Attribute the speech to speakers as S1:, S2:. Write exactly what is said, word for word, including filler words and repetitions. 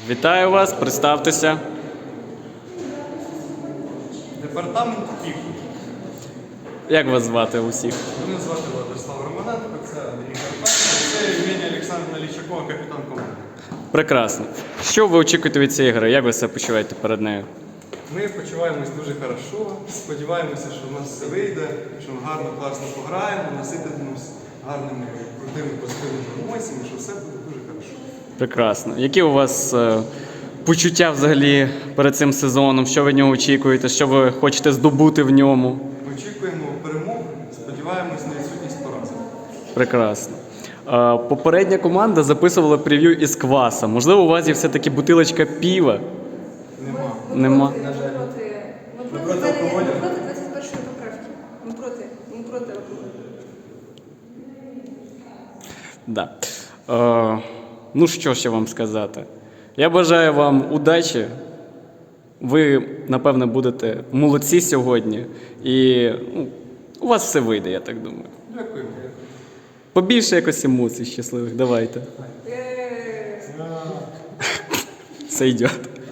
S1: Вітаю вас, представтеся.
S2: Департамент КІК.
S1: Як вас звати усіх?
S2: Мене звати Владислав Романенко, це Андрій Карпенко, це Євгенія Олександрівна Лічакова, капітан команди.
S1: Прекрасно. Що ви очікуєте від цієї гри? Як ви себе почуваєте перед нею?
S2: Ми почуваємось дуже хорошо, сподіваємося, що в нас все вийде, що ми гарно, класно пограємо, наситимось гарними, крутими, позитивними емоціями, що все буде дуже хорошо.
S1: Прекрасно. Які у вас е, почуття взагалі перед цим сезоном? Що ви від нього очікуєте? Що ви хочете здобути в ньому?
S2: Очікуємо перемог, сподіваємось на відсутність поразок.
S1: Прекрасно. Е, попередня команда записувала прев'ю із кваса. Можливо, у вас є все-таки бутилочка піва?
S2: Нема.
S1: Нема.
S2: На жаль.
S3: Ми
S2: проти
S3: проти, ми
S2: алкоголю?
S3: проти, ми проти двадцять першої поправки. Ми проти, ми проти алкоголю.
S1: Да. Е, ну, що ще вам сказати? Я бажаю вам удачі. Ви, напевне, будете молодці сьогодні. І ну, у вас все вийде, я так думаю.
S2: Дякую.
S1: Побільше якось емоцій щасливих. Давайте.
S3: Е,
S1: Все йде.